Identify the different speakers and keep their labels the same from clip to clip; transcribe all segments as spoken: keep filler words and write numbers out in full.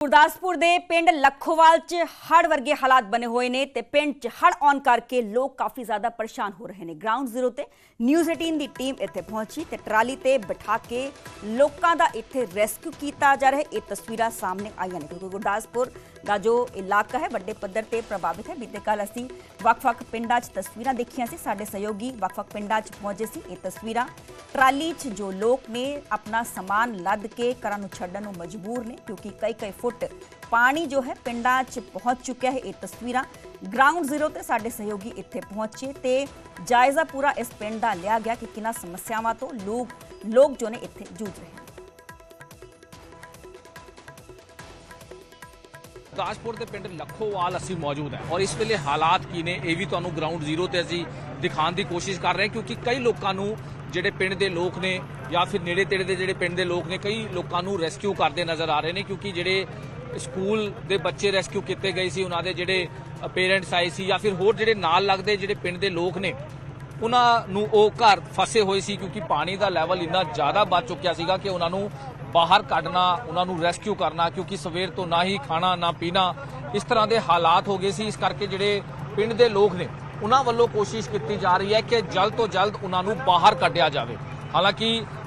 Speaker 1: गुरदासपुर के पिंड लखोवाल च हड़ वर्गे हालात बने हुए ने ते पिंड च हड़ आउण करके लोग काफ़ी ज़्यादा परेशान हो रहे हैं। ग्राउंड जीरो ते न्यूज़ अठारह की टीम इत्थे पहुंची ते ट्राली ते बिठा के लोगों का इत्थे रेस्क्यू किया जा रहा है। ये तस्वीरां सामने आई हैं क्योंकि गुरदासपुर का जो इलाका है वड्डे पद्धर ते प्रभावित है। बीते कल असीं वख-वख पिंडां च तस्वीरां देखियां सी, साडे सहयोगी वख-वख पिंडां च पहुंचे सी। ये तस्वीरां ट्राली च जो लोग ने अपना समान लद के घरां नूं छड्डण नूं मजबूर ने क्योंकि कई कई फुट पानी जो है पिंडां च पहुंच चुका है। ये तस्वीरां ग्राउंड जीरो ते साडे सहयोगी इत्थे पहुंचे ते जायजा पूरा इस पिंड दा लिया गया कि किन्हां समस्यावां तो लोग लोग जो ने इत्थे जूझ रहे हैं।
Speaker 2: गुरदासपुर के पिंड लखोवाल असी मौजूद हैं और इस वेले हालात की ने यह भी तुहानूं ग्राउंड जीरो ते असी दिखाने की कोशिश कर रहे हैं क्योंकि कई लोगों नूं ਜਿਹੜੇ ਪਿੰਡ ਦੇ ਲੋਕ ਨੇ ਜਾਂ ਫਿਰ ਨੇੜੇ ਤੇੜੇ ਦੇ ਜਿਹੜੇ ਪਿੰਡ ਦੇ ਲੋਕ ਨੇ ਕਈ ਲੋਕਾਂ ਨੂੰ ਰੈਸਕਿਊ ਕਰਦੇ ਨਜ਼ਰ ਆ ਰਹੇ ਨੇ ਕਿਉਂਕਿ ਜਿਹੜੇ ਸਕੂਲ ਦੇ ਬੱਚੇ ਰੈਸਕਿਊ ਕੀਤੇ ਗਏ ਸੀ ਉਹਨਾਂ ਦੇ ਜਿਹੜੇ ਪੇਰੈਂਟਸ ਆਏ ਸੀ ਜਾਂ ਫਿਰ ਹੋਰ ਜਿਹੜੇ ਨਾਲ ਲੱਗਦੇ ਜਿਹੜੇ ਪਿੰਡ ਦੇ ਲੋਕ ਨੇ ਉਹਨਾਂ ਨੂੰ ਉਹ ਘਰ ਫਸੇ ਹੋਏ ਸੀ ਕਿਉਂਕਿ ਪਾਣੀ ਦਾ ਲੈਵਲ ਇੰਨਾ ਜ਼ਿਆਦਾ ਵੱਧ ਚੁੱਕਿਆ ਸੀਗਾ ਕਿ ਉਹਨਾਂ ਨੂੰ ਬਾਹਰ ਕੱਢਣਾ ਉਹਨਾਂ ਨੂੰ ਰੈਸਕਿਊ ਕਰਨਾ ਕਿਉਂਕਿ ਸਵੇਰ ਤੋਂ ਨਾ ਹੀ ਖਾਣਾ ਨਾ ਪੀਣਾ ਇਸ ਤਰ੍ਹਾਂ ਦੇ ਹਾਲਾਤ ਹੋ ਗਏ ਸੀ। ਇਸ ਕਰਕੇ ਜਿਹੜੇ ਪਿੰਡ ਦੇ ਲੋਕ ਨੇ ਉਹਨਾਂ ਵੱਲੋਂ ਕੋਸ਼ਿਸ਼ ਕੀਤੀ ਜਾ ਰਹੀ ਹੈ ਕਿ ਜਲਦ ਤੋਂ ਜਲਦ ਉਹਨਾਂ ਨੂੰ ਬਾਹਰ ਕੱਢਿਆ ਜਾਵੇ। ਹਾਲਾਂਕਿ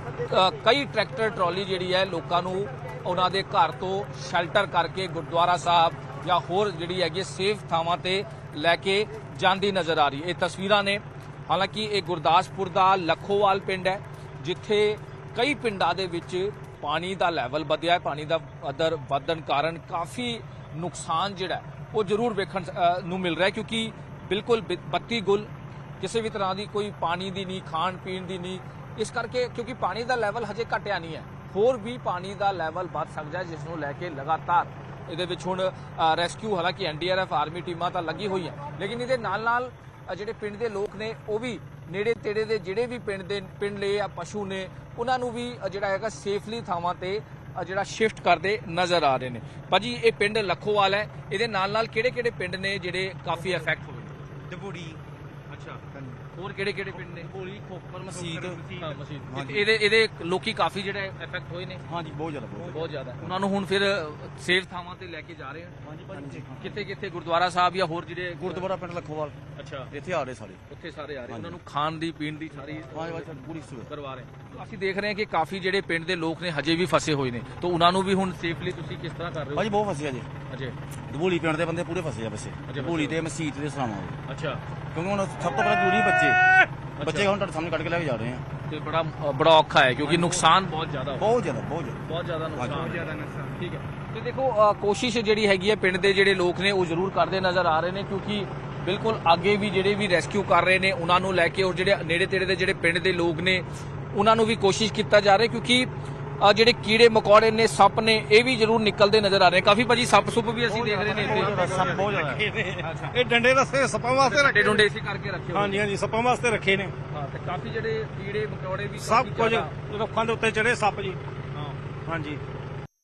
Speaker 2: ਕਈ ਟਰੈਕਟਰ ਟਰਾਲੀ ਜਿਹੜੀ ਹੈ ਲੋਕਾਂ ਨੂੰ ਉਹਨਾਂ ਦੇ ਘਰ ਤੋਂ ਸ਼ੈਲਟਰ ਕਰਕੇ ਗੁਰਦੁਆਰਾ ਸਾਹਿਬ ਜਾਂ ਹੋਰ ਜਿਹੜੀ ਹੈਗੀ ਸੇਫ ਥਾਵਾਂ ਤੇ ਲੈ ਕੇ ਜਾਂਦੀ ਨਜ਼ਰ ਆ ਰਹੀ ਹੈ। ਇਹ ਤਸਵੀਰਾਂ ਨੇ ਹਾਲਾਂਕਿ ਇਹ ਗੁਰਦਾਸਪੁਰ ਦਾ ਲਖੋਵਾਲ ਪਿੰਡ ਹੈ ਜਿੱਥੇ ਕਈ ਪਿੰਡਾਂ ਦੇ ਵਿੱਚ ਪਾਣੀ ਦਾ ਲੈਵਲ ਵਧਿਆ ਹੈ। ਪਾਣੀ ਦਾ ਪੱਧਰ ਵਧਣ ਕਾਰਨ ਕਾਫੀ ਨੁਕਸਾਨ ਜਿਹੜਾ ਉਹ ਜ਼ਰੂਰ ਵੇਖਣ ਨੂੰ ਮਿਲ ਰਿਹਾ ਕਿਉਂਕਿ बिल्कुल बत्ती गुल किसी भी तरह की कोई पानी की नहीं खाण पीण की नहीं इस करके क्योंकि पानी का लैवल हजे घटिया नहीं है होर भी पानी का लैवल बढ़ सकता है जिसनों लैके लगातार ये हुण रैस्क्यू हालांकि N D R F army टीमां तां लगी हुई है लेकिन ये नाल नाल जिहड़े पिंड के लोग ने वो भी नेड़े तेड़े दे जिहड़े भी पिंड दे पिंड ले या पशु ने उन्होंने भी जिहड़ा हैगा सेफली थावां ते ਜਿਹੜਾ शिफ्ट करते नज़र आ रहे हैं। भाजी ये पिंड लखोवाल है ये नाल नाल किहड़े किहड़े पिंड ने जिहड़े काफ़ी इफेक्ट होए
Speaker 3: दबूड़ी
Speaker 2: अच्छा होर किहड़े किहड़े पिंड ने
Speaker 3: दबूड़ी खोपर मसीत
Speaker 2: हां मसीत ਇਹਦੇ ਇਹਦੇ ਲੋਕੀ ਕਾਫੀ ਜਿਹੜੇ ਇਫੈਕਟ ਹੋਏ ਨੇ
Speaker 3: ਹਾਂਜੀ ਬਹੁਤ ਜ਼ਿਆਦਾ
Speaker 2: ਬਹੁਤ ਜ਼ਿਆਦਾ ਉਹਨਾਂ ਨੂੰ ਹੁਣ ਫਿਰ ਸੇਫ ਥਾਵਾਂ ਤੇ ਲੈ ਕੇ ਜਾ ਰਹੇ ਹਨ। ਹਾਂਜੀ ਭਾਜੀ ਕਿੱਥੇ ਕਿੱਥੇ ਗੁਰਦੁਆਰਾ ਸਾਹਿਬ ਜਾਂ ਹੋਰ ਜਿਹੜੇ
Speaker 3: ਗੁਰਦੁਆਰਾ ਪਿੰਡ ਲਖੋਵਾਲ
Speaker 2: ਅੱਛਾ
Speaker 3: ਇੱਥੇ ਆ ਰਹੇ ਸਾਰੇ
Speaker 2: ਉੱਥੇ ਸਾਰੇ ਆ ਰਹੇ ਉਹਨਾਂ ਨੂੰ ਖਾਣ ਦੀ ਪੀਣ ਦੀ ਸਾਰੀ
Speaker 3: ਹਾਂਜੀ ਪੂਰੀ ਸੁਵਿਧਾ
Speaker 2: ਕਰਵਾ ਰਹੇ। ਅਸੀਂ ਦੇਖ ਰਹੇ ਹਾਂ ਕਿ ਕਾਫੀ ਜਿਹੜੇ ਪਿੰਡ ਦੇ ਲੋਕ ਨੇ ਹਜੇ ਵੀ ਫਸੇ ਹੋਏ ਨੇ ਤਾਂ ਉਹਨਾਂ ਨੂੰ ਵੀ ਹੁਣ ਸੇਫਲੀ ਤੁਸੀਂ ਕਿਸ ਤਰ੍ਹਾਂ ਕਰ ਰਹੇ ਹੋ?
Speaker 3: ਭਾਜੀ ਬਹੁਤ ਫਸੇ ਆ ਜੀ
Speaker 2: ਅਜੇ
Speaker 3: ਦਬੂੜੀ ਪਿੰਡ ਦੇ ਬੰਦੇ ਪੂਰੇ ਫਸੇ ਆ ਵੈਸੇ ਦਬੂੜੀ ਤੇ ਮਸੀਤ ਦੇ ਸਲਾਮਾਂ
Speaker 2: ਅੱਛਾ
Speaker 3: ਕਿਉਂਕਿ ਹੁਣ ਸਭ ਤੋਂ ਪਹਿਲਾਂ ਜ਼ਰੂਰੀ ਬੱਚੇ ਬੱਚੇ ਹੁਣ ਤੁਹਾਡੇ ਸਾਹਮਣੇ ਕੱਢ ਕੇ ਲੈ ਕੇ ਜਾ ਰਹੇ ਆ
Speaker 2: ਤੇ ਬੜਾ ਬੜਾ ਔਖਾ ਹੈ ਕਿਉਂਕਿ ਨੁਕਸਾਨ ਬਹੁਤ ਜ਼ਿਆਦਾ
Speaker 3: ਬਹੁਤ ਜ਼ਿਆਦਾ ਬਹੁਤ ਜ਼ਿਆਦਾ
Speaker 2: ਬਹੁਤ ਜ਼ਿਆਦਾ ਨੁਕਸਾਨ ਬਹੁਤ ਜ਼ਿਆਦਾ ਨੁਕਸਾਨ ਠੀਕ ਹੈ। ਤੇ ਦੇਖੋ ਕੋਸ਼ਿਸ਼ ਜਿਹੜੀ ਹੈਗੀ ਹੈ ਪਿੰਡ ਦੇ ਜਿਹੜੇ ਲੋਕ ਨੇ ਉਹ ਜ਼ਰੂਰ ਕਰਦੇ ਨਜ਼ਰ ਆ ਰਹੇ ਨੇ ਕਿਉਂਕਿ ਬਿਲਕੁਲ ਅੱਗੇ ਵੀ ਜਿਹੜੇ ਵੀ ਰੈਸਕਿਊ ਕਰ ਰਹੇ ਨੇ ਉਹਨਾਂ ਨੂੰ ਲੈ ਕੇ ਔਰ ਜਿਹੜੇ ਨੇੜੇ ਤੇੜੇ ਦੇ ਜਿਹੜੇ ਪਿੰਡ ਦੇ ਲੋਕ ਨੇ ਉਹਨਾਂ ਨੂੰ ਵੀ ਕੋਸ਼ਿਸ਼ ਕੀਤਾ ਜਾ ਰਿਹਾ ਕਿਉਂਕਿ ਜਿਹੜੇ ਕੀੜੇ ਮਕੌੜੇ ਨੇ ਸੱਪ ਨੇ ਇਹ ਵੀ ਜ਼ਰੂਰ ਨਿਕਲਦੇ ਨਜ਼ਰ ਆ ਰਹੇ ਕਾਫੀ ਭਾਜੀ ਸੱਪ ਸੁੱਪ ਵੀ ਅਸੀਂ ਦੇਖ ਰਹੇ ਨੇ ਇੱਥੇ
Speaker 3: ਸੱਪ ਬਹੁਤ ਜ਼ਿਆਦਾ ਇਹ ਡੰਡੇ ਰਸਤੇ ਸੱਪਾਂ ਵਾਸਤੇ
Speaker 2: ਰੱਖੇ ਡੰਡੇ ਇਸੇ ਕਰਕੇ ਰੱਖੇ
Speaker 3: ਹਾਂਜੀ ਹਾਂਜੀ ਸੱਪਾਂ ਵਾਸਤੇ ਰੱਖੇ ਨੇ
Speaker 2: ਹਾਂ ਤੇ ਕਾਫੀ ਜਿਹੜੇ ਕੀੜੇ ਮਕੌੜੇ ਵੀ
Speaker 3: ਸਭ ਕੁਝ ਰੁੱਖਾਂ ਦੇ ਉੱਤੇ ਚੜੇ ਸੱਪ ਜੀ ਹਾਂ ਹਾਂਜੀ